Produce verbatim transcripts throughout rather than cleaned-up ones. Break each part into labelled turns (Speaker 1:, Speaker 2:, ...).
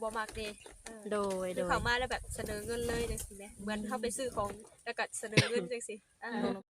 Speaker 1: บ่มักเด้
Speaker 2: โดย
Speaker 1: คือเข้ามาแล้วแบบเสนอเงินเลยจังซี่แหมเหมือนเฮาไปซื้อของแล้วก็เสนอเงินจังซี่อ่า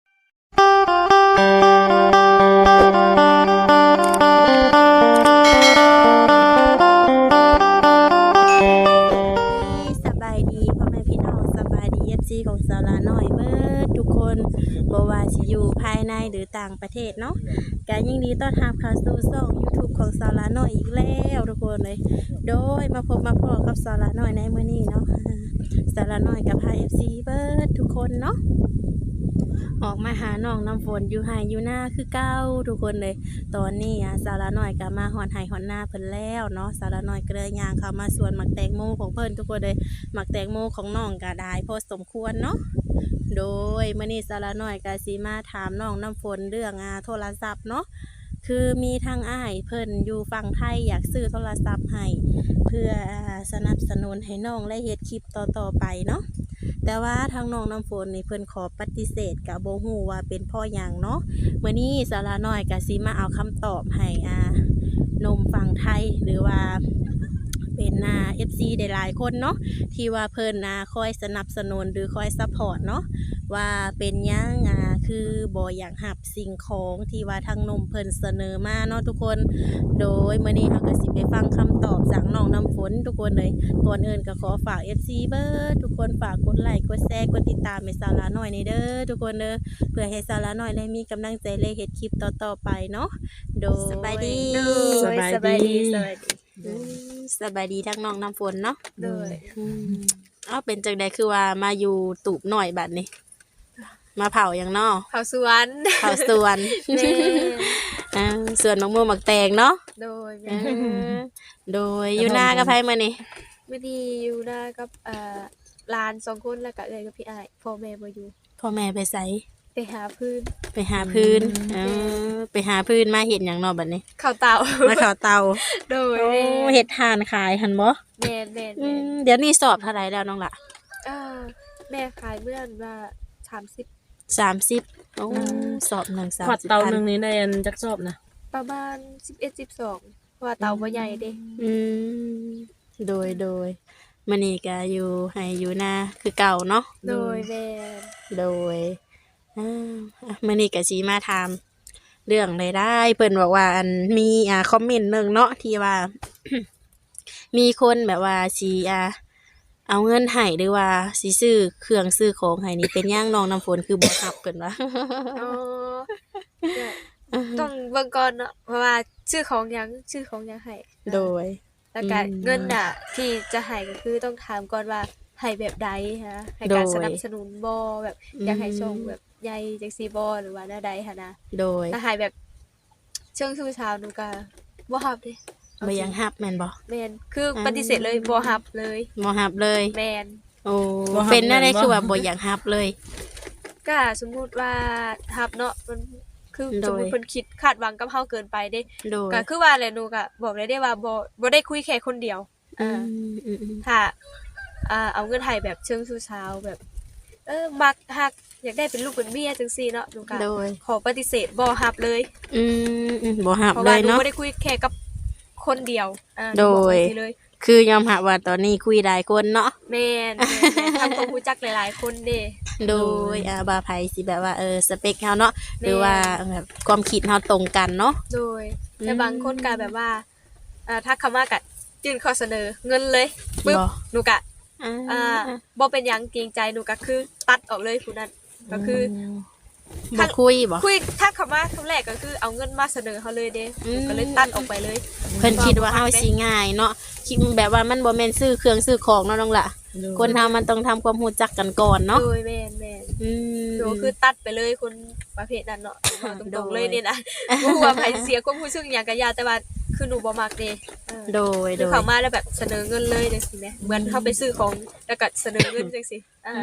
Speaker 2: สบายดีพ่อแม่พี่น้องสบายดี เอฟ ซี ของสาวลาน้อยเบิดทุกคนบ่ว่าสิอยู่ภายในหรือต่างประเทศเนาะก็ยิ่งดีต้อนรับเข้าสู่ช่อง YouTube ของสาวลาน้อยอีกแล้วทุกคนเลยโดยมาพบมาพบกับสาวลาน้อยในมื้อนี้เนาะสาวลาน้อยกับพา เอฟ ซี เบิดทุกคนเนาะออกมาหาน้องน้ำฝนอยู่ไห้อยู่หน้าคือเก้าทุกคนเลยตอนนี้อ่ะสาวละน้อยก็มาหอนไห้หอนหน้าเพิ่นแล้วเนาะสาวละน้อยก็เลยย่างเข้ามาสวนหมักแตงโมของเพิ่นทุกคนเลยหมักแตงโมของน้องก็ได้พอสมควรเนาะโดยมื้อนี้สาวละน้อยก็สิมาถามน้องน้ำฝนเรื่องอ่าโทรศัพท์เนาะคือมีทางอ้ายเพิ่นอยู่ฝั่งไทยอยากซื้อโทรศัพท์ให้เพื่อสนับสนุนให้น้องและเฮ็ดคลิปต่อๆไปเนาะแต่ว่าทางน้องน้ำฝนนี่เพิ่นขอปฏิเสธกับโบฮู้ว่าเป็นพ่อหยังเนาะเมื่อนี้สาระน้อยก็สิมาเอาคำตอบให้อ่านมฝั่งไทยหรือว่าเป็นอ่า เอฟ ซี ได้หลายคนเนาะที่ว่าเพิ่นอ่าคอยสนับสนุนหรือคอยซัพพอร์ตเนาะว่าเป็นหยังอ่าคือบ่อยากหับสิ่งของที่ว่าทางนมเพิ่นเสนอมาเนาะทุกคนโดยเมื่อนี้เราก็สิไปฟังคำตอบจากน้องน้ำฝนทุกคนเลยก่อนอื่นก็ขอฝาก เอฟ ซี เบิร์ดทุกคนฝากกดไลค์กดแชร์กดติดตามให้สาระน้อยในเด้อทุกคนเด้อเพื่อให้สาระน้อยได้มีกำลังใจเลยเฮ็ดคลิปต่อๆไปเนาะโดยสบายดี
Speaker 1: สบายดีสบายดี
Speaker 2: สบายดีทั้งน้องน้ำฝนเนาะ
Speaker 1: โดย
Speaker 2: อ้าวเป็นจังใดคือว่ามาอยู่ตูบหน่อยบัดนี้มาเผาอย่างนอ
Speaker 1: เผาสวน
Speaker 2: เผาสวนอ่าสวนมะม่วงหมักแตงเนาะ
Speaker 1: โดย
Speaker 2: โดยอยู่หน้ากับไผมื้อนี้
Speaker 1: มื้อนี้อยู่หน้ากับเอ่อหลานสองคนแล้วก็เอ้ยกับพี่อ้ายพ่อแม่บ่อยู่
Speaker 2: พ่อแม่ไปไส
Speaker 1: ไปหาพื้น
Speaker 2: ไปหาพื้นเออไปหาพื้นมาเฮ็ดหยังเนาะบัดนี้
Speaker 1: ข้าวเตา
Speaker 2: มาข้าวเตา
Speaker 1: โดย
Speaker 2: โอ้เฮ็ดทานขายหั่นบ่
Speaker 1: แม่น
Speaker 2: ๆเดี๋ยวนี้สอบเท่าไหร่แล้วน้องล่ะ
Speaker 1: เออแม่ขายเมื่อว่าสามสิบ
Speaker 2: สามสิบโอ้สอบหนึ่ง สามสิบ
Speaker 3: ขวดเตานึงนี้ได้อันจักสอบนะ
Speaker 1: ประมาณสิบเอ็ด สิบสองเพราะว่าเตาบ่ใหญ่เด้
Speaker 2: อืมโดยโดยมื้อนี้ก็อยู่ให้อยู่นาคือเก่าเนาะ
Speaker 1: โดยแม่
Speaker 2: โดยอ่ามื้อนี้ก็สิมาถามเรื่องรายได้เพิ่นบอกว่าอันมีอ่าคอมเมนต์นึงเนาะที่ว่า มีคนแบบว่าสิอ่าเอาเงินให้หรือว่าสิซื้อเครื่องซื้อของให้นี่เป็นหยังน้องน้ำฝนคือบ่รับเพิ่นว่า
Speaker 1: อ๋อต้องเบิ่งก่อนเนาะเพราะว่าชื่อของหยังชื่อของหยังให้
Speaker 2: โดย
Speaker 1: แล้วก็เงินน่ะที่จะให้ก็คือต้องถามก่อนว่าให้แบบใดฮะให้การสนับสนุนบ่แบบอยากให้ส่งแบบใหญ่จังซี่บ่หรือว่าแนวใดหั่นนะ
Speaker 2: โดย
Speaker 1: ถ้าให้แบบเชิงชู้สาวหนูก็บ่รับเด้
Speaker 2: บ่ยังรับแม่นบ่
Speaker 1: แม่นคือปฏิเสธเลยบ่รับเลย
Speaker 2: บ่รับเลย
Speaker 1: แม่น
Speaker 2: โอ้เป็นอะไรคือว่าบ่อยากรับเลย
Speaker 1: ก็สมมุติว่ารับเนาะมันคือสมมุติเพิ่นคิดคาดหวังกับเฮาเกินไปเด้ก็คือว่าแหละหนูก็บอกเลยได้ว่าบ่บ่ได้คุยแค่คนเดียวอ่าถ้าอ่าเอาเงินให้แบบเชิงชู้สาวแบบเออมักฮักอยากได้เป็นลูกเป็นเมียจังซี่เนาะหนูก็ขอปฏิเสธบ่รับเลย
Speaker 2: อืมบ่รับเลยเนาะ
Speaker 1: บ่ได้คุยแค่กับคนเดียวอ่า
Speaker 2: โดยคือยอมรับว่าตอนนี้คุยหลายคนเนาะ
Speaker 1: แม่นทำความรู้จักหลายๆคนเด้
Speaker 2: โดยอ่าบ่าไผสิแบบว่าเออสเปคเฮาเนาะหรือว่าแบบความคิดเฮาตรงกันเนาะ
Speaker 1: โดยแต่บางคนก็แบบว่าอ่าถ้าคำว่าก็ยื่นข้อเสนอเงินเลยปึ๊บหนูก็อ่าบ่เป็นหยังเกรงใจหนูก็คือตัดออกเลยผู้นั้นก็คือ
Speaker 2: บ่คุยบ่
Speaker 1: คุยถ้าคำว่าคำแรกก็คือเอาเงินมาเสนอเฮาเลยเด้ก็เลยตัดออกไปเลย
Speaker 2: เพิ่นคิดว่าเฮาสิง่ายเนาะคิดแบบว่ามันบ่แม่นซื้อเครื่องซื้อของเนาะน้องล่ะคนเฮามันต้องทำความรู้จักกันก่อนเนาะ
Speaker 1: โดยแม่นๆอืมก็คือตัดไปเลยคนประเภทนั้นเนาะตรงๆเลยนี่นะบ่ฮู้ว่าไผเสียความรู้สึกหยังก็ยาแต่ว่าคือหนูบ่มักเด้
Speaker 2: โดยโดย
Speaker 1: เข้ามาแล้วแบบเสนอเงินเลยจังซี่แหมเหมือนเฮาไปซื้อของแล้วก็เสนอเงินจังซี่อ่า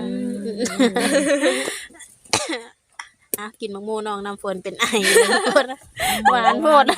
Speaker 2: อ่ะกินมะม่วงน้องน้ำฝนเป็นไอหวานโพด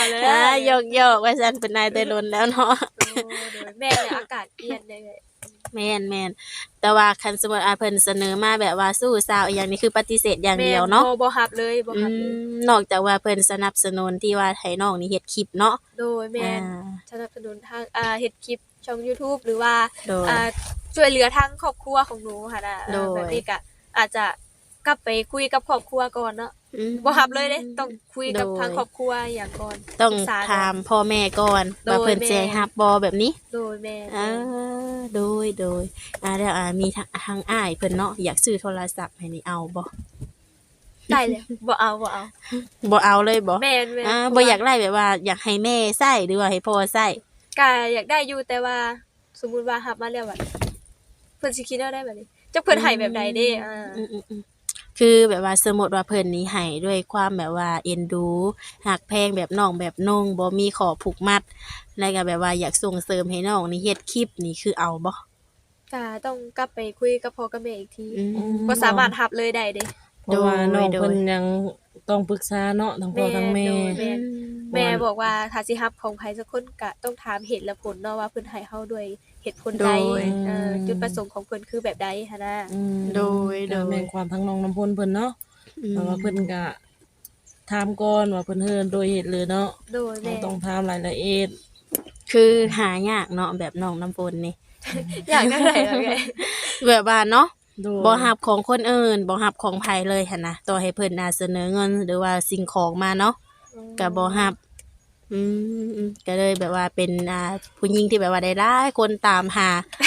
Speaker 2: อ่าหยอกๆว่าซั่นเป็นไอแต่ล้นแล้วเนาะ
Speaker 1: แม่เนี่ยอากาศเปลี่ยนได้เลย
Speaker 2: แม่นแม่นแต่ว่าคันสมมุติอาเพิ่นเสนอมาแบบว่าสู้สาวอีหยังนี่คือปฏิเสธอย่างเดียวเนาะ
Speaker 1: แม่บ่บ่รับเลยบ่
Speaker 2: อื
Speaker 1: รับเลย
Speaker 2: มนอกจากว่าเพิ่นสนับสนุนที่ว่าให้น้องนี่เฮ็ดคลิปเนาะ
Speaker 1: โดยแม่น
Speaker 2: อ่า
Speaker 1: สนับสนุนทางอ่าเฮ็ดคลิปช่อง YouTube หรือว่า
Speaker 2: โดย
Speaker 1: อ่าช่วยเหลือทางครอบครัวของหนูค่ะน่ะ
Speaker 2: โดย
Speaker 1: แบบนี้ก็อาจจะกลับไปคุยกับครอบครัวก่อนเนาะ
Speaker 2: อืม
Speaker 1: บ่รับเลยเด้ต้องคุยกับ
Speaker 2: โดย
Speaker 1: ทางครอบครัวอย่างก่อน
Speaker 2: ต้อง
Speaker 1: ปรึกษก่น
Speaker 2: ถามพ่อแม่ก่อน
Speaker 1: โดย
Speaker 2: ว่าเพิ่น
Speaker 1: แม่
Speaker 2: สิให้รับบ่แบบนี้
Speaker 1: โดยแม่
Speaker 2: อ่าโดยโดยอ่าแล้วอ่ามีทางทางอ้ายเพิ่นเนาะอยากซื้อโทรศัพท์ให้นี่เอาบ่
Speaker 1: ได้เลยบ่เอาบ่เอา
Speaker 2: บ่เอาเลยบ่
Speaker 1: แม่นแม่น
Speaker 2: อ่าบ่อยากได้แบบว่าอยากให้แม่ใช้หรือว่าให้พ่อใช้
Speaker 1: ก็อยากได้อยู่แต่ว่าสมมุติว่ารับมาแล้วแบบเพิ่นสิคิดเอาได้แบบนี้จักเพิ่นให้แบบใดเด้อ่า
Speaker 2: อืมๆๆคือแบบว่าสมมุติว่าเพิ่นนี่ให้ด้วยความแบบว่าเอ็นดูฮักแพงแบบน้องแบบนุ่งบ่มีข้อผูกมัดแล้วก็แบบว่าอยากส่งเสริมให้น้องนี่เฮ็ดคลิปนี่คือเอาบ่
Speaker 1: ก็ต้องกลับไปคุยกับพ่อกับแม่อีกที
Speaker 2: อืม
Speaker 1: บ่สามารถรับเลยได้เด้
Speaker 3: เพราะว่าน้อง
Speaker 2: โดย
Speaker 3: เพิ่นยังต้องปรึกษาเนาะทั้งพ่อทั้งแม่
Speaker 1: โดย แม่
Speaker 2: อืม
Speaker 1: แม่บอกว่าถ้าสิรับของไผสักคนก็ต้องถามเหตุและผลเนาะว่าเพิ่นให้เฮาด้วยเหตุผลใด
Speaker 2: โดย
Speaker 1: เอ่อจุดประสงค์ของเพิ่นคือแบบใดหันน่ะ
Speaker 3: อืม
Speaker 2: โดยโดย
Speaker 3: ก็แม่นความทั้งน้องน้ำพลเพิ่นเนาะ
Speaker 2: อืม
Speaker 3: เพราะว่าเพิ่นก็ถามก่อนว่าเพิ่นเฮ็ดโดยเหตุหรือเนาะ
Speaker 1: โดย
Speaker 3: เรา
Speaker 1: แม่
Speaker 3: ต้องถามรายละเอียด
Speaker 2: คือหายากเนาะแบบน้องน้ำฝนนี่
Speaker 1: อยากได้ไหนล่ะแม่
Speaker 2: แบบว่าเนาะ
Speaker 3: โดย
Speaker 2: บ่ฮับของคนอื่นบ่ฮับของไผเลยหั่นนะต่อให้เพิ่นน่ะเสนอเงินหรือว่าสิ่งของมาเนาะก็บ่ฮับอืมๆก็เลยแบบว่าเป็นอ่าผู้หญิงที่แบบว่าได้หลายคนตามหา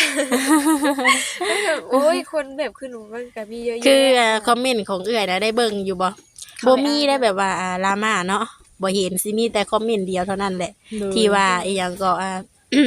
Speaker 1: โอ้ยคนแบบคือหนูมันก็มีเยอะแยะ
Speaker 2: คืออ่าคอมเมนต์ของเอื้อยนะได้เบิ่งอยู่บ่บ่มีได้แบบว่าอ่าดราม่าเนาะบ่เห็นสิมีแต่คอมเมนต์เดียวเท่านั้นแหละ
Speaker 3: โดย
Speaker 2: ที่ว่าอีหยังก็อ่า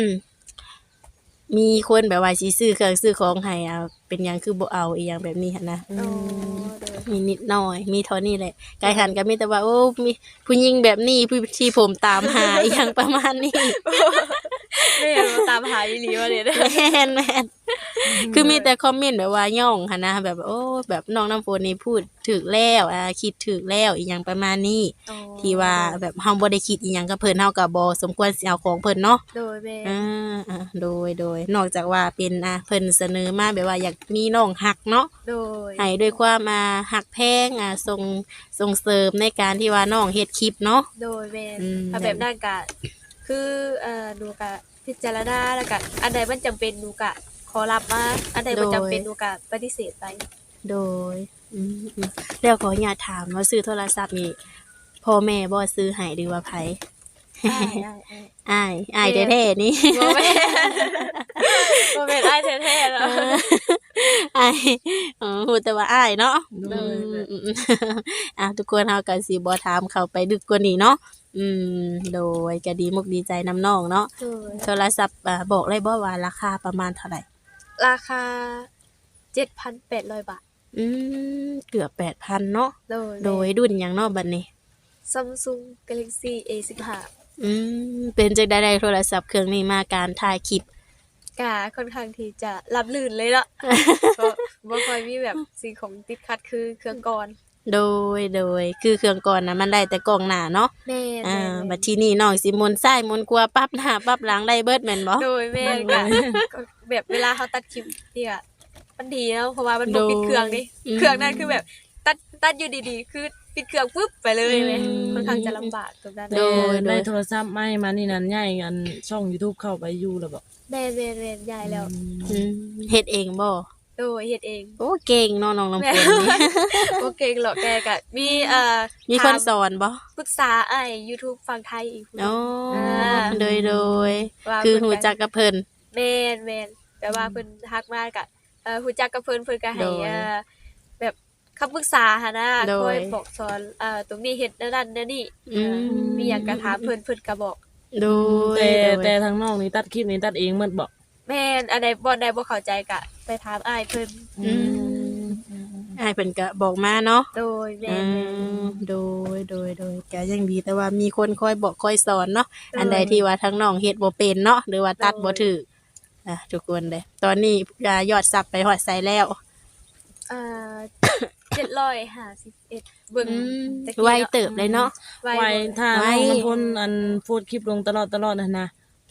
Speaker 2: มีคนแบบว่าสิซื้อเครื่องซื้อของให้อ่าเป็นหยังคือบ่เอาอีหยังแบบนี้หั่นนะ
Speaker 1: อ๋อโดย
Speaker 2: มีนิดหน่อย มีเท่านี้แหละกายหันก็มีแต่ว่าโอ้มีผู้หญิงแบบนี้ผู้ที่ผมตามหา อีหยังประมาณนี้
Speaker 1: แม่มาตามหาอีหลีว่าเด้
Speaker 2: แม่นแม่นคือมีแต่คอมเมนต์แบบว่าย่องหั่นนะแบบโอ้แบบน้องน้ำฝนนี่พูดถูกแล้วอ่าคิดถูกแล้วอีหยังประมาณนี้
Speaker 1: อ๋อ
Speaker 2: ที่ว่าแบบเฮาบ่ได้คิดอีหยังกับเพิ่นเฮาก็บ่สมควรสิเอาของเพิ่นเนาะ
Speaker 1: โดยแม่
Speaker 2: อ่าอ่าโดยโดยนอกจากว่าเป็นอ่าเพิ่นเสนอมาแบบว่าอยากมีน้องฮักเนาะ
Speaker 1: โดย
Speaker 2: ให้ด้วยความอ่าฮักแพงอ่าส่งส่งเสริมในการที่ว่าน้องเฮ็ดคลิปเนาะ
Speaker 1: โดยแม่
Speaker 2: อืม
Speaker 1: ถ้าแบบนั้นก็คือเอ่อหนูก็พิจารณาแล้วก็อันใดมันจำเป็นหนูก็ขอรับมาอันใดบ่จำเป็นหนูก็ปฏิเสธไป
Speaker 2: โดยอืมอืมแล้วขออนุญาตถามว่าซื้อโทรศัพท์นี่พ่อแม่บ่ซื้อให้หรือว่าไผ
Speaker 1: ได้ได้ได้
Speaker 2: อ้ายอ้ายแท้ๆนี่
Speaker 1: บ่แม่นบ่แม่นอ้ายแท้ๆแล้ว
Speaker 2: อ้ายอ๋อฮู้แต่ว่าอ้ายเนาะ
Speaker 3: โดย
Speaker 2: อืมอืมอืมอ่ะทุกคนเฮาก็สิบ่ถามเข้าไปดึกกว่านี้เนาะอืมโดยก็ดีมุกดีใจนำน้องเนาะ
Speaker 1: โดย
Speaker 2: โทรศัพท์อ่าบอกเลยบ่ว่าราคาประมาณเท่าไหร่
Speaker 1: ราคา เจ็ดพันแปดร้อย บาท
Speaker 2: อืมเกือบ แปดพัน เนาะ
Speaker 1: โดย
Speaker 2: โดยรุ่นหยังเนาะบัดนี้
Speaker 1: Samsung Galaxy เอ สิบห้า
Speaker 2: อืมเป็นจังได๋ได้โทรศัพท์เครื่องนี้มาการถ่ายคลิป
Speaker 1: ก็ค่อนข้างที่จะรับลื่นเลยเนาะ ก็บ่ค่อยมีแบบสิ่งของติดขัดคือเครื่องก่อน
Speaker 2: โดยโดยคือเครื่องก่อนน่ะมันได้แต่กล้องหน้าเนาะ
Speaker 1: แม่น
Speaker 2: อ่า
Speaker 1: แม่น
Speaker 2: บัดทีนี้น้องสิหมุนซ้ายหมุนขวาปรับหน้าปรับหลังได้เบิดแม่นบ่
Speaker 1: โดยแม่นก็ก็แบบเวลาเขาตัดคลิปนี่ก็มันดีเนาะเพราะว่ามันบ่ปิดเครื่องดิเครื่องนั้นคือแบบตัดตัดอยู่ดีๆ คือปิดเครื่องปุ๊บไปเลยแหมค่อนข้างจะลำบากตรงนั้น
Speaker 2: โดยโด
Speaker 3: ได้
Speaker 2: ย
Speaker 3: โทรศัพท์ใหม่มานี่นั่นใหญ่อันช่อง YouTube เข้าไปอยู่แล้วบ่
Speaker 1: แม่นแม่นแม่นยายแล้ว
Speaker 2: อืมเฮ็ดเองบ่
Speaker 1: โดยเฮ็ดเอง
Speaker 2: โอ้เก่งเนาะน้องน้ำฝนนี่
Speaker 1: โอเคหรอกแกก็มีเอ่อ
Speaker 2: มีคนสอนบ่
Speaker 1: ปรึกษาไอ้ YouTube ฝั่งไทยอีกผู้หนึ่
Speaker 2: อ๋อง
Speaker 1: อ่า
Speaker 2: โดยโดย
Speaker 1: ว่า
Speaker 2: คือ
Speaker 1: เพิ่น
Speaker 2: หูจักกับเพิ่น
Speaker 1: แม่นแม่นแปลว่าเพิ่นทักมาก็เอ่อฮู้จักกับเพิ่นเพิ่นก็ให้
Speaker 2: โดย
Speaker 1: เอ่อแบบคำปรึกษาหั่นน่ะ
Speaker 2: โดย
Speaker 1: คอยบอกสอนเอ่อตรงนี้เฮ็ดแนวนั้นแนวนี้
Speaker 2: อืม
Speaker 1: เอ่อมีหยังก็ถามเพิ่นเพิ่นก็บอก
Speaker 2: โดย
Speaker 3: แต่
Speaker 2: โดย
Speaker 3: แต่ทางน้องนี่ตัดคลิปนี่ตัดเองหมดบ่
Speaker 1: แม่นอันใดบ่ใดบ่เข้าใจก็ไปถามอ้ายเพิ่น
Speaker 2: อืมอ้ายเพิ่นก็บอกมาเนาะ
Speaker 1: โดยแม่
Speaker 2: อื
Speaker 1: นแม่น
Speaker 2: มโดยโดยโดยก็ยังดีแต่ว่ามีคนคอยบอกคอยสอนเนาะอันใดที่ว่าทั้งน้องเฮ็ดบ่เป็นเนาะหรือว่าตัดบ่ถูกอ่ะทุกคนเลยตอนนี้อ่ายอดซับไปฮอดไสแล้ว
Speaker 1: อ่า เจ็ดร้อยห้าสิบเอ็ดเบิ่ง
Speaker 2: อืม
Speaker 1: ตะกี้
Speaker 2: ไว
Speaker 1: นาะ
Speaker 2: เติบเลยเนาะ
Speaker 1: ไว
Speaker 3: ไว้
Speaker 1: บ่
Speaker 3: ถ้า
Speaker 2: ไว้
Speaker 3: น้องน้ำพลอันโพสต์คลิปลงตลอดตลอดนั่นนะ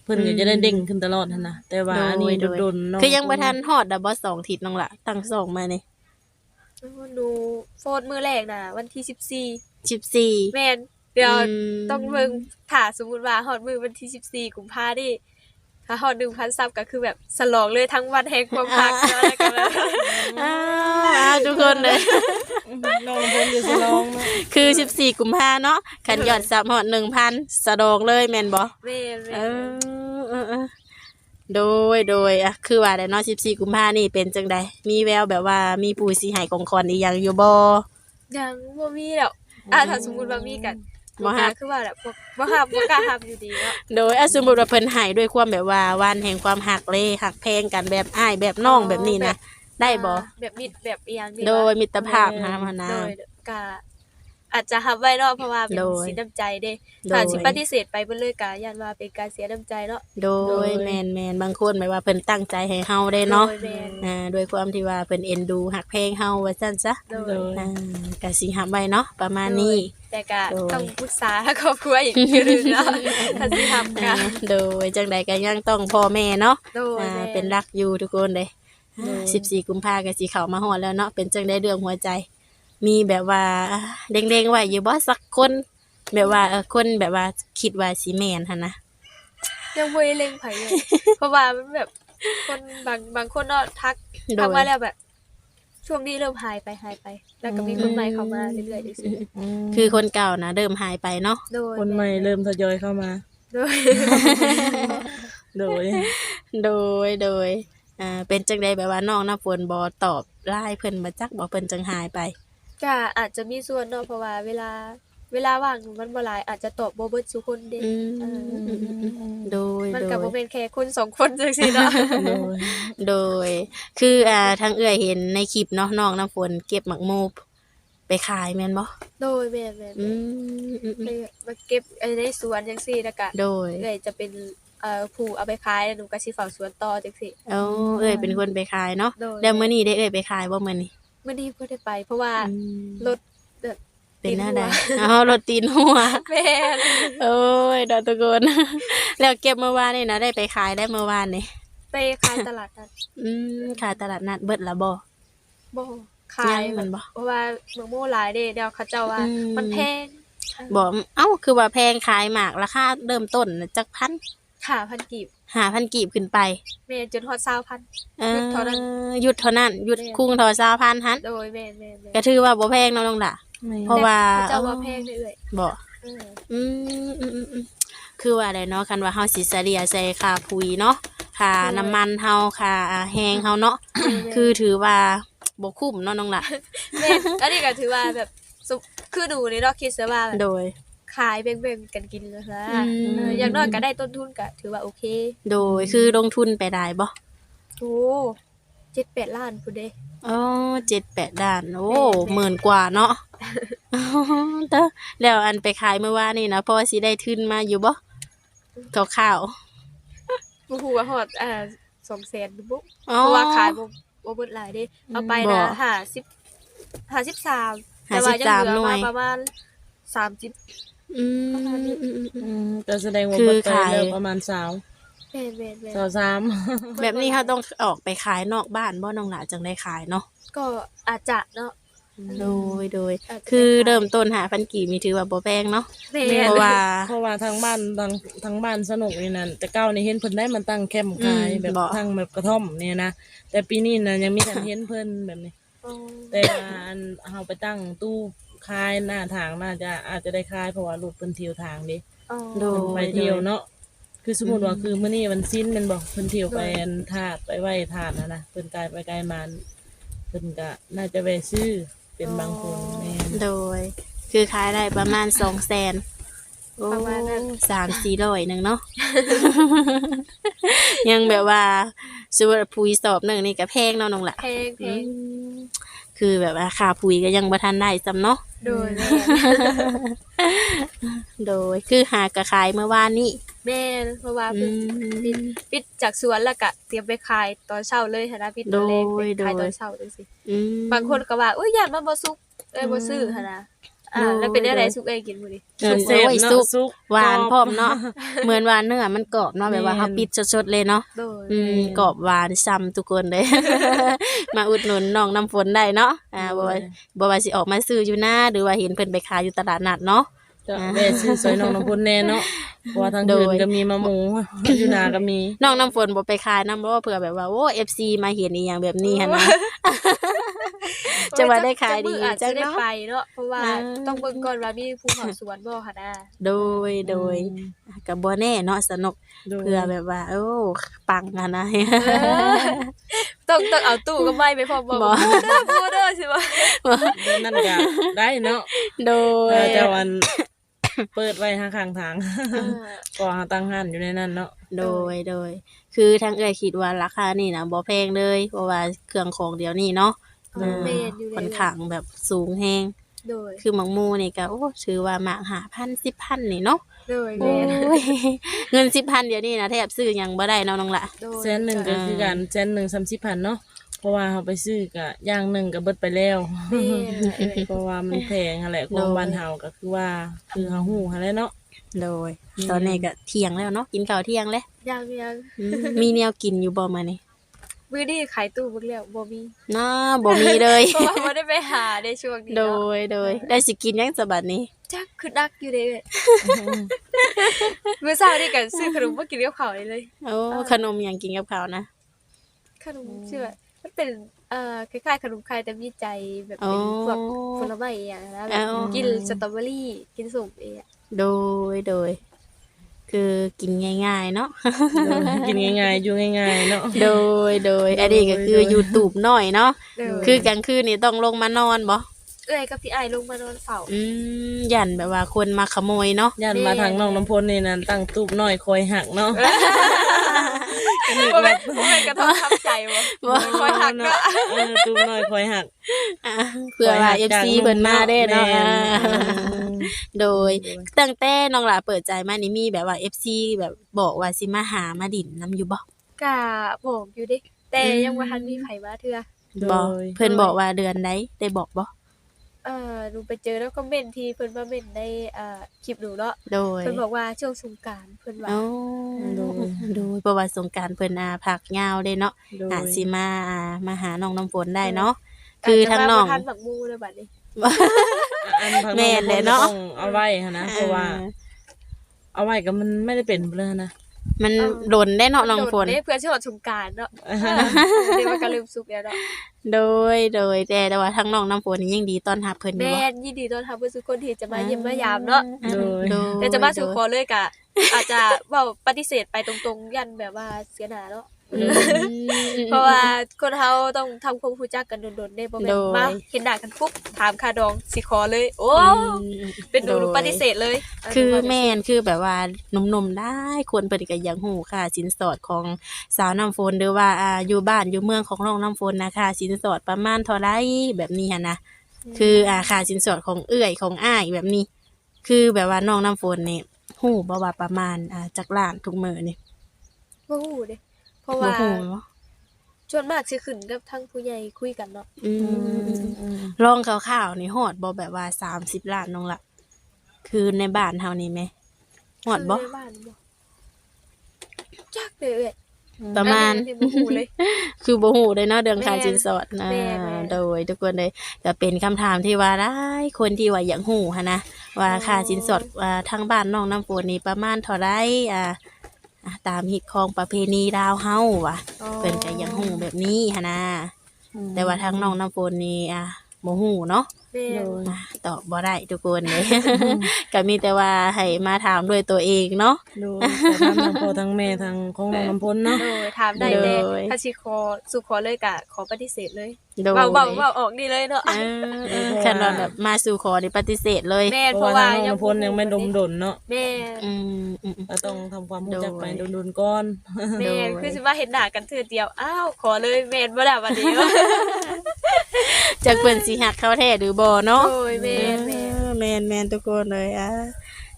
Speaker 3: พิ่นก็จะได้เด้งขึ้นตลอดหั่นน่ะแต่ว่าอันนี้โดนๆเนาะ
Speaker 2: คือยังบ่ทันฮอดดอกบ่สองทิศน้องละตั้งสองมานี่
Speaker 1: หนูโฟนมื้อแรกน่ะวันที่สิบสี่
Speaker 2: สิบสี่
Speaker 1: แม่นเดี๋ยว
Speaker 2: อืม
Speaker 1: ต้องเบิ่งถ้าสมมุติว่าฮอดมื้อวันที่สิบสี่กุมภาพันธ์นี่ถ้าฮอด หนึ่งพัน ซับก็คือแบบฉลองเลยทั้งวันแห่งความรักเนาะแล้วก็แบบ
Speaker 2: อ้าวอ้าวทุกคนเลย
Speaker 3: น้องเพิ่นอยู่สิลองเนาะ
Speaker 2: คือสิบสี่กุมภาเนาะขันยอดซับฮอด หนึ่งพัน สะดองเลยแม่นบ่
Speaker 1: แม่น
Speaker 2: เอ
Speaker 1: ๆ
Speaker 2: อเออเออโดยโดยอ่ะคือว่าได้เนาะสิบสี่กุมภานี่เป็นจังใดมีแววแบบว่ามีผู้สิให้ของขวัญอีหยังอยู่บ่
Speaker 1: ยังบ่มีแล้วอ่ะถ้าสมมุติว่ามีกัน
Speaker 2: บ่ฮับ
Speaker 1: คือว่าแบบบ่บ่ฮับบ่กล้าฮับอยู่ดีเนาะ
Speaker 2: โดยอ่ะสมมุติว่าเพิ่นให้ด้วยความแบบว่าวันแห่งความหักเลยหักแพงกันแบบอ้ายแบบน้องแบบนี้นะได้บ่
Speaker 1: แบบมิตรแบบอีหยังนี่
Speaker 2: โดย
Speaker 1: วะ
Speaker 2: มิตรภาพนะมานะ
Speaker 1: โดยก็อาจจะฮับไว้เนาะเพราะว่าเป็น
Speaker 2: โดย
Speaker 1: สินน้ำใจเด้
Speaker 2: โดย
Speaker 1: ถ้าสิปฏิเสธไปเบิ่เลยก็ย่านว่าเป็นการเสียน้ำใจเนาะ
Speaker 2: โดยแมนแมนบางคนหมายว่าเพิ่นตั้งใจให้เฮาได้เนาะ
Speaker 1: โดยแม่น
Speaker 2: อ่าโดยความที่ว่าเพิ่นเอ็นดูหักเพลงเฮาว่าซั่นซะ
Speaker 1: โด
Speaker 3: โด
Speaker 1: ย
Speaker 3: ย
Speaker 2: อ่าก็สิหับไว้เนาะประมาณนี้
Speaker 1: แต่ก็
Speaker 2: โดย
Speaker 1: ต้องปรึกษาครอบครัวอีกทีหนึงเนาะถ้าสิทำกั
Speaker 2: อ่าน โดยจังใดก็ยังต้องพ่อแม่เนาะ
Speaker 1: โดย
Speaker 2: อ่า
Speaker 1: แม่
Speaker 2: เป็นรักอยู่ทุกคนเลย
Speaker 3: โดย
Speaker 2: สิบสี่กุมภาก็สิเข้ามาฮอดแล้วเนาะเป็นจังได้เรื่องหัวใจ มีแบบว่าเด้งๆไว้อยู่บ่สักคน แบบว่าเออคนแบบว่าคิดว่าสิแม่นหั่นนะ
Speaker 1: ยังบ่ได้เล็งไผเลย เพราะว่ามันแบบคนบางบางคนเนาะทัก
Speaker 2: โด
Speaker 1: ทัก
Speaker 2: ย
Speaker 1: มาแล้วแบบ ช่วงนี้เริ่มหายไปหายไป แล้วก็มีคนใหม่เข้ามาเรื่อยๆจังซี่
Speaker 2: คือคนเก่านะเริ่มหายไปเนาะ
Speaker 1: โดย
Speaker 3: คนใหม่เริ่มทยอยเข้ามา
Speaker 1: โดย
Speaker 3: โดย
Speaker 2: โดยโดยอ่าเป็นจังใดแบบว่าน้องน้ำฝนบ่ตอบไลน์เพิ่นมาจักบ่เพิ่นจังหายไป
Speaker 1: ก็อาจจะมีส่วนเนาะเพราะว่าเวลา เวลาว่างมันบ่หลายอาจจะตอบบ่เบิดทุกคนเด้
Speaker 2: อืม
Speaker 1: เออ
Speaker 2: อืมอืมอืมโดย
Speaker 1: มัน
Speaker 2: โด
Speaker 1: ก็
Speaker 2: ย
Speaker 1: บ่เป็นแค่คนสองคนจังซี่เนาะ
Speaker 3: โดย
Speaker 2: โดย คืออ่าทางเอื้อยเห็นในคลิปเนาะน้องน้ำฝนเก็บหมักโมบไปขายแม่นบ่
Speaker 1: โดยแม่น
Speaker 2: อื
Speaker 1: ๆ
Speaker 2: มอืมอืม
Speaker 1: เลยมาเก็บไอ้ในสวนจังซี่แล้วก็
Speaker 2: โดย
Speaker 1: เลยจะเป็นเอ่อผู้เอาไปขายแล้วหนูก็สิเฝ้าสวนต่อจังซี่
Speaker 2: เอ้าเอ้ยเป็นคนไปขายเนาะ
Speaker 1: โดย
Speaker 2: แล้วมื้อนี้ได้เอ้ยไปขายบ่มื้อนี้
Speaker 1: มื้อนี้บ่ได้ไป เพราะว่า
Speaker 2: อืม
Speaker 1: รถแบบ
Speaker 2: เป็นหน้าใด
Speaker 1: ตีนหัว
Speaker 2: อ๋อรถตีนหัว
Speaker 1: แม่น
Speaker 2: โอ้ยดอกตะโกน แล้วเก็บเมื่อวานนี่นะได้ไปขายได้เมื่อวานนี่
Speaker 1: ไปขายตลาดนัด
Speaker 2: อืมขายตลาดนัดเบิดละบ่
Speaker 1: บ่ขาย
Speaker 2: ยังมันบ่
Speaker 1: เพราะว่าเมืองโมหลายเด้เดี๋ยวเขาเจ้าว่า
Speaker 2: อืม
Speaker 1: มันแพง
Speaker 2: บอกเอ้าคือว่าแพงขายหมากราคาเริ่มต้นน่ะจักพัน
Speaker 1: ค่ะพันกีบ
Speaker 2: หาพันกีบขึ้นไป
Speaker 1: แม่นจนฮอด20,000
Speaker 2: เออ
Speaker 1: หยุดเท่านั้น
Speaker 2: หยุดเท่านั้นหยุด
Speaker 1: แม่น
Speaker 2: คุ้งเทอซาวพันฮัน
Speaker 1: โดยแม่นๆๆ
Speaker 2: ก็ถือว่าบ่แพงเนาะน้องล่ะ เพราะว่า
Speaker 1: แต่เขาเจ้าว่าแพงเรื่อย
Speaker 2: บ่
Speaker 1: ๆเออ
Speaker 2: อืมอืมอืมอืมคือว่าอะไรเนาะคันว่าเฮาสิเสียใส่ค่าปุ๋ยเนาะค่าน้ำมันเฮาค่าแฮงเฮาเนาะคือถือว่าบ่คุ้มเนาะน้องล่ะ
Speaker 1: แม่นอันนี้ก็ถือว่าแบบสุคือหนูนี่เนาะคิดซะว่าแบบ
Speaker 2: โดย
Speaker 1: ขายแบ่งๆกันกินเลยนะ
Speaker 2: อืม
Speaker 1: เอออย่างน้อยก็ได้ต้นทุนก็ถือว่าโอเค
Speaker 2: โดยคือลงทุนไปได้บ่
Speaker 1: โอ้เจ็ดแปดล้านพุ่นเด้
Speaker 2: อ๋อเจ็ดแปดด้าน โอ้
Speaker 1: แม่นๆ
Speaker 2: หมื่นกว่าเนาะ อ๋อเด้อแล้วอันไปขายเมื่อวานนี่นะพอสิได้ทุนมาอยู่บ่คร่าว
Speaker 1: บ่ฮู้ว่าฮอดอ่าสองแสนบ่
Speaker 2: ๆอ๋อ
Speaker 1: เพราะว่าขายบ่บ่เบิดหลายเด้เอาไป
Speaker 2: บ่
Speaker 1: นะห้าสิบ ห้าสิบสามแต่ว่ายังเหลือ
Speaker 2: หน่ว
Speaker 1: มาย ประมาณสามสิบ
Speaker 2: อืม
Speaker 1: ประมาณนี้
Speaker 2: อืมอืมอืม
Speaker 3: อืมก็แสดงว่า
Speaker 2: คือ
Speaker 3: เบิดไป
Speaker 2: ขาย
Speaker 3: แล้วประมาณสาว
Speaker 1: แม่นแม่นแม่น
Speaker 3: สาวสาม
Speaker 2: แบบนี้เขาต้องออกไปขายนอกบ้านบ่น้องหลาจังได้ขายเนาะ
Speaker 1: ก็อาจจะเนาะ
Speaker 2: โดยโดย
Speaker 1: อาจจะ
Speaker 2: คือ
Speaker 1: ได้ขาย
Speaker 2: เริ่มต้นหาพันกี่มีถือว่าบ่แพงเนาะ
Speaker 1: แม่
Speaker 2: เพราะว่า
Speaker 3: เพราะว่าทางบ้านทางทางบ้านสนุกนี่นั่นแต่เก้านี่เห็นเพิ่นได้มันตั้งแคมป์ขาย
Speaker 2: อืม
Speaker 3: แบบ
Speaker 2: บ่
Speaker 3: ทางแบบกระท่อมเนี่ยนะแต่ปีนี้น่ะยังมีการเห็นเพิ่นแบบนี้
Speaker 1: อ๋อ
Speaker 3: แต่ว่าอันเฮาไปตั้งตู้คายหน้าทางน่าจะอาจจะได้คายเพราะว่าลูกเพิ่นเที่ยวทางเดิ
Speaker 1: อ๋อ
Speaker 2: โด
Speaker 3: เพิ่นไปเที่ยวเนาะคือสมมุติว่าคือมื้อนี้มันสิ้นแมันบอกเพิ่นเที่ยวไปอันธาตุไปไหว้ธาตุนะนะเพิ่นกายไปไกลมาเพิ่นก็น่าจะแวะซื้อเป็นบางคนแม่น
Speaker 2: โดย คือขายได้ประมาณสองแสนโอ้
Speaker 1: ประมาณนั้น
Speaker 2: สามสี่ร้อยหนึ่งเนาะ ยังแบบว่าสมมุติว่าปุ๋ยสอบหนึ่งนี่ก็แพงเนาะน้องละ
Speaker 1: แพงแพง
Speaker 2: คือแบบว่าค่าปุ๋ยก็ยังบ่ทันได้ซ้ำเนาะ
Speaker 1: โดยแม่
Speaker 2: โดยคือหากระขายเมื่อวานนี้
Speaker 1: แม่นเพราะว่า
Speaker 2: อื
Speaker 1: เพิ่น
Speaker 2: ม
Speaker 1: ปิดจากสวนแล้วก็เตรียมไปขายตอนเช้าเลยหันนะปิดตอนแรก
Speaker 2: โดย
Speaker 1: ไปขาย
Speaker 2: โดย
Speaker 1: ตอนเช้าจังซี่
Speaker 2: อืม
Speaker 1: บางคนก็ว่าอุ้ยย่านมันบ่สุกเอ้ยบ่ซื้อหั่นนะอ่าแล้วเป็นอะไรสุกเอ้ยกินมื้อนี้
Speaker 3: เออแซ่บเนาะสุก
Speaker 2: หวานพร้อมเนาะเหมือนว่าเนื้อมันกรอบเนาะแบบว่าเฮาปิดสดๆเลยเนาะ
Speaker 1: โดย
Speaker 2: อืมกรอบหวานซ้ำทุกคนเลย มาอุดหนุนน้องน้ำฝนได้เนาะอ่าบ่ว่าบ่ว่าสิออกมาซื้ออยู่หน้าหรือว่าเห็นเพิ่นไปขายอยู่ตลาดนัดเนาะ
Speaker 3: จะแม่ซื้อซอยน้องน้ำพลแน่เนาะเพราะว่าทางอื่นก็มีมะหมูอยู่นาก็มี
Speaker 2: น้องน้ำฝนบ่ไปขายนำบ่ว่าเผื่อแบบว่าโอ้ เอฟ ซี มาเห็นอีหยังแบบนี้หั่นนะ จะว่าได้ขายดี
Speaker 1: จั
Speaker 2: จั
Speaker 1: ง
Speaker 2: ง
Speaker 1: ได้
Speaker 2: เนาะ
Speaker 1: ไปเนาะเพราะว่า
Speaker 2: อ่า
Speaker 1: ต้องเบิ่งก่อนว่ามีภูเขาสวนบ่ค่ะนะ
Speaker 2: โดยโดยก็บ่แน่เนาะสนุก
Speaker 3: โดย
Speaker 2: เพื่อแบบว่าโอ้ปังอะนะ
Speaker 1: ต้องต้องเอาตู้กับไม้ไปพร้อมบ่
Speaker 2: บ่
Speaker 1: บ่เด้อบ่เด้อสิบ่
Speaker 3: นั่นก็ได้เนาะ
Speaker 2: โดย
Speaker 3: เออแต่วัน เปิดไว้ข้างๆทางก็หาตั้งหันอยู่ในนั้นเนาะ
Speaker 2: โดยโดย คือทางเอ้ยคิดว่าราคานี่นะบ่แพงเลยเพราะว่าเครื่องของเดี๋ยวนี้เนาะ
Speaker 1: เออแม่นอยู่
Speaker 2: ค่อน
Speaker 1: เลย
Speaker 2: ข้างแบบสูงแฮง
Speaker 1: โดย
Speaker 2: คือหมักหมูนี่ก็โอ้ถือว่าหมากหาพันสิบพันนี่เนาะ
Speaker 1: โดย
Speaker 2: โอ้
Speaker 1: แม่น
Speaker 2: ย เงินสิบพันเดี๋ยวนี้นะแทบซื้อหยังบ่ได้เนาะน้องละ
Speaker 1: โดย
Speaker 3: แสนหนึ่งก็คือกันแสนหนึ่งสามสิบพันเนาะเพราะว่าเขาไปซื้อก็อย่างหนึ่งก็เบิดไปแล้ว
Speaker 1: แม่นเอ้ย
Speaker 3: เพราะว่ามันแพงหั่นแหละของบ้านเฮาก็คือว่าคือเฮาฮู้หั่นแหละเนาะ
Speaker 2: โดย ตอนนี้ก็เที่ยงแล้วเนาะกินข้าวเที่ยงแล้ว
Speaker 1: ยังยัง
Speaker 2: อืมมีแนวกินอยู่บ่มานี่
Speaker 1: มื้อนี้ขายตู้เบิ่งแล้วบ่มี
Speaker 2: น้าบ่มีเลย
Speaker 1: เพราะว่าบ่ได้ไปหาในช่วงนี้
Speaker 2: โด
Speaker 1: เนาะ
Speaker 2: ยโดยได้สิกินหยังสบัดนี้
Speaker 1: จักคือดักอยู่เด้เอ้ยมื้อเช้านี่ก็ซื้อขนมมากินกับข้าวได้เลย
Speaker 2: โอ้ขนมหยังกินกับข้าวนะ
Speaker 1: ขนมชื่อว่ามันเป็นเอ่อคล้ายๆขนมไข่แต่มีใจแบบเป็นพวกผลไม้อย่างนะแบบกินสตรอเบอรี่กินส้มเองอะ
Speaker 2: โดยโดย คือกินง่ายๆเนาะ
Speaker 3: เออกินง่ายๆอยู่ง่ายๆเนาะ
Speaker 2: โดยโดยอันนี้ก็คือ
Speaker 3: โดย
Speaker 2: YouTube หน่อยเนาะ
Speaker 1: เด้อ
Speaker 2: คือกลางคืนนี่ต้องลงมานอนบ่
Speaker 1: เอ้ยกับพี่ไอ้ายลงมานอนเฝ้า
Speaker 2: อืมยันแบบว่าคนมาขโมยเนาะ
Speaker 3: ยันมาทางน้องน้ำพลนี่นั่นตั้งตูบน้อยคอยหักเนาะ
Speaker 1: บ่แม่นบ่แม่นกระทบทับใจบ่บ่คอยหักเนาะ
Speaker 3: เออตูบน้อยคอยหัก
Speaker 2: อ่ะเพื่อว่า เอฟ ซี เพิ่นมาได้เนาะ
Speaker 3: แม่
Speaker 2: อ่า
Speaker 3: น
Speaker 2: โดยตั้งแต่น้องหลาเปิดใจมานี่มีแบบว่า เอฟ ซี แบบบอกว่าสิมาหามาดินนํอยู่บ่
Speaker 1: กะบอกอยู่เด้แต่ยังบ่ทันมีไผมาเทื่อ
Speaker 3: โด
Speaker 2: บ่
Speaker 3: ย
Speaker 2: เพิ่นบอกว่าเดือนใดได้บอกบ่
Speaker 1: เอ่อหนูไปเจอแล้วคอมเมนต์ที่เพิ่นมาเม้นในอ่าคลิปหนูเนาะ
Speaker 2: โดย
Speaker 1: เพิ่นบอกว่าช่วงสงกรานต์เพิ่นว่า
Speaker 2: เอ้าโดยโดยเพราะว่าสงกรานต์เพิ่นอาพักยาวเด้เนาะ
Speaker 3: โดย
Speaker 2: อาจสิมาอ่ามาหาน้องน้ำฝนได้เนาะคือทางน้อง
Speaker 1: ทันบักมูเลยบัดนี้
Speaker 3: อันทาง
Speaker 2: แม่
Speaker 3: น้อง
Speaker 2: นแหละ
Speaker 3: น้ำพล
Speaker 2: เนาะ
Speaker 3: ต้องเอาไว้หั่นนะเพราะว่า เอาไว้ก็มันไม่ได้เป็นเลยนะ
Speaker 2: มันโดนได้เนาะน้องฝน
Speaker 1: โดดเด้เพื่อสิฮอดสงกรานต์เนาะเดี๋ยวมันก็ลืมสุกแล้วเนาะ
Speaker 2: โดยโดยแต่แต่ว่าทางน้องน้ำฝนนี่ยังดีต้อนรับเพิ่นอยู่
Speaker 1: แม่
Speaker 2: บ่
Speaker 1: นยินดีต้อนรับเพื่อนทุกคนที่จะมาเยี่ยมมายามเนาะ
Speaker 2: อ่า
Speaker 3: โดย
Speaker 2: โดย
Speaker 1: แต่จะมาสู่ขอเลยกะ อาจจะเว้าปฏิเสธไปตรงๆ ยันแบบว่าเสียหน้าเนาะ
Speaker 2: อืม
Speaker 1: เพราะว่าคนเฮาต้องทำความรู้จักกันโดนๆได้บ่แม่
Speaker 2: โด
Speaker 1: น
Speaker 2: ย
Speaker 1: มาเห็นหน้ากันปุ๊บถามค่าดองสิขอเลย โอ้
Speaker 2: อืม
Speaker 1: เป็นหนูหนู
Speaker 2: โดย
Speaker 1: ปฏิเสธเลย
Speaker 2: คือแม่นคือแบบว่าหนุ่มๆได้ควรเปิดก็อยากฮู้ค่ะสินสอดของสาวน้ำฝนหรือว่าอ่าอยู่บ้านอยู่เมืองของน้องน้ำฝนนะคะสินสอดประมาณเท่าไรแบบนี้หั่นนะคืออ่าค่าสินสอดของเอื้อยของอ้ายแบบนี้ คือแบบว่าน้องน้ำฝนนี่ฮู้บ่ว่าประมาณอ่าจักล้านทุกมื้อนี่
Speaker 1: บ่ฮู้เด้เพราะ
Speaker 2: บ่
Speaker 1: ว่า
Speaker 2: ฮู้เนาะ
Speaker 1: ส่วนมากสิขึ้นกับทางผู้ใหญ่คุยกันเนาะ
Speaker 2: อืมลองข่าวๆนี่ฮอดบ่แบบว่าสามสิบล้านน้องละคือในบ้านเฮานี่แหมฮอดบ่
Speaker 1: คือในบ้านบ่จักเลยเอ้ย
Speaker 2: ประมาณ
Speaker 1: อันนี้บ่ฮู้เลย
Speaker 2: คือบ่ฮู้เลยเนาะเรื่องค่า
Speaker 1: แม่น
Speaker 2: สินสอดนะ
Speaker 1: แม่นแม่น
Speaker 2: โดยทุกคนเลยก็เป็นคำถามที่ว่าหลายคนที่ว่าอยากฮู้หันนะว่าค่าสินสอดว่าทางบ้านน้องน้ำฝนนี่ประมาณเท่าไรอ่าอ่าตามฮิตของประเพณีลาวเฮาว่ะ
Speaker 1: อ๋อ
Speaker 2: เพิ่นก็อยากฮู้แบบนี้หันนะแต่ว่าทางน้องน้ำฝนนี่อ่ะบ่ฮู้เนาะ
Speaker 1: แม่น
Speaker 2: อ่ะตอบบ่ได้ทุกคนเลย ก็มีแต่ว่าให้มาถามด้วยตัวเองเนาะ
Speaker 3: โดยแต่ทางทั้งพ่อทั้งแม่ทางของน้องน้ำพลเนาะ
Speaker 1: โดยถามได้
Speaker 2: โด
Speaker 1: แต่
Speaker 2: ย
Speaker 1: ถ้าสิขอสู่ขอเลยกะขอปฏิเสธเลย
Speaker 2: โดย
Speaker 1: เบาเบาเบาออกดีเลยเนาะ
Speaker 2: เออเออคันว่าแบบมาสู่ขอนี่ปฏิเสธเลย
Speaker 1: แม่น
Speaker 3: เพ
Speaker 1: เพ
Speaker 3: ราะ
Speaker 1: ราะ
Speaker 3: ว่า
Speaker 1: ว่า
Speaker 3: ทางน้องน้ำพลยังไม่ดมดนเนาะ
Speaker 1: แม่น
Speaker 2: อืมอืมอืม
Speaker 3: ก็ต้องทำความรู้จักไป
Speaker 2: โดย
Speaker 3: โดนๆก่อน
Speaker 1: แม่น
Speaker 2: โดย
Speaker 1: คือสิว่าเห็นหน้ากันเทื่อเดียวอ้าวขอเลยแม่นบ่ล่ะวันนี้
Speaker 2: จากเพิ่นสิหักเขาแท้หรือบ่เนาะ
Speaker 1: โอ้ยแม่นแม่น
Speaker 2: เออแม่นแม่นทุกคนเลยอ่ะ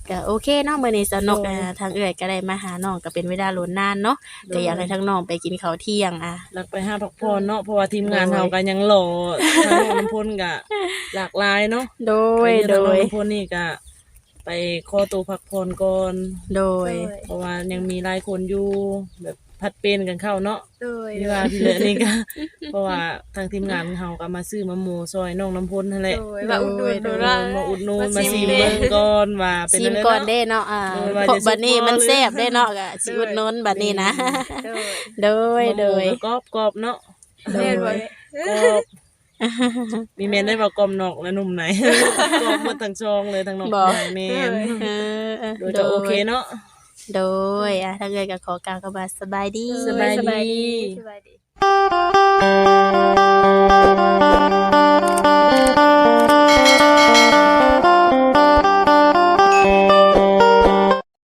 Speaker 2: ก็โอเคเนาะมื้อนี้สนุกอ่าทางเอื้อยก็ได้มาหาน้องก็เป็นเวลาโลนนานเนาะก็อยากให้ทั้งน้องไปกินข้าวเที่ยงอ่ะ
Speaker 3: หลักไปหาพักผ่อนเนาะเพราะว่าทีมงานเฮากันยังหล่อทางน้องน้ำพลก็หลากหลายเนาะ
Speaker 2: โดย
Speaker 3: ไป
Speaker 2: โด
Speaker 3: ทางน้อง
Speaker 2: ย
Speaker 3: น้ำพลนี่ก็ไปขอตัวพักผ่อนก่อน
Speaker 2: โดย
Speaker 3: เพราะว่ายังมีหลายคนอยู่แบบพัดเป็นกันเข้าเนาะ
Speaker 1: โดย
Speaker 3: ที่ว่าที่เหลือนี่ก็ เพราะว่าทางทีมงานเฮาก็มาซื้อมะหมูซอยน้องน้ำพลนั่นแหละ
Speaker 1: โดยว่าอุดหนุน
Speaker 2: โด
Speaker 1: ดู
Speaker 2: ย
Speaker 1: ว่า
Speaker 3: มาอุดหนูน
Speaker 1: มา
Speaker 3: มา
Speaker 1: ชิ
Speaker 3: ซี
Speaker 1: ม
Speaker 3: ม
Speaker 1: เด้
Speaker 3: เบิ่งก่อนว่าเป็น
Speaker 2: ชิ
Speaker 3: จั
Speaker 2: ม
Speaker 3: งได๋
Speaker 2: ก่อน
Speaker 3: เนาะ
Speaker 2: เด้เนาะอ่า
Speaker 3: เออว่า
Speaker 2: เพราะ
Speaker 3: จะ
Speaker 2: บัดนี้มัน
Speaker 3: ซุป
Speaker 2: แซ่บ
Speaker 3: บ่เลย
Speaker 2: ได้เนาะก็สิอุดหนุนบัดนี้นะ
Speaker 1: โดย
Speaker 2: โดย โดย
Speaker 3: มะหมูก็กรอบๆเนาะ
Speaker 1: แม่นบ่
Speaker 3: กรอบมีแม่นได้ว่ากรอบนอกและนุ่มใน กรอบหมดทั้งซองเลยทั้งนอก
Speaker 2: บ่
Speaker 3: ในแม่น
Speaker 2: เออเออ
Speaker 3: โดยจะโอเคเนาะ
Speaker 2: โดยอ่ะถ้าเกิดก็ขอกล่าวคำว่าสบายดี
Speaker 3: สบายดี
Speaker 1: สบายดี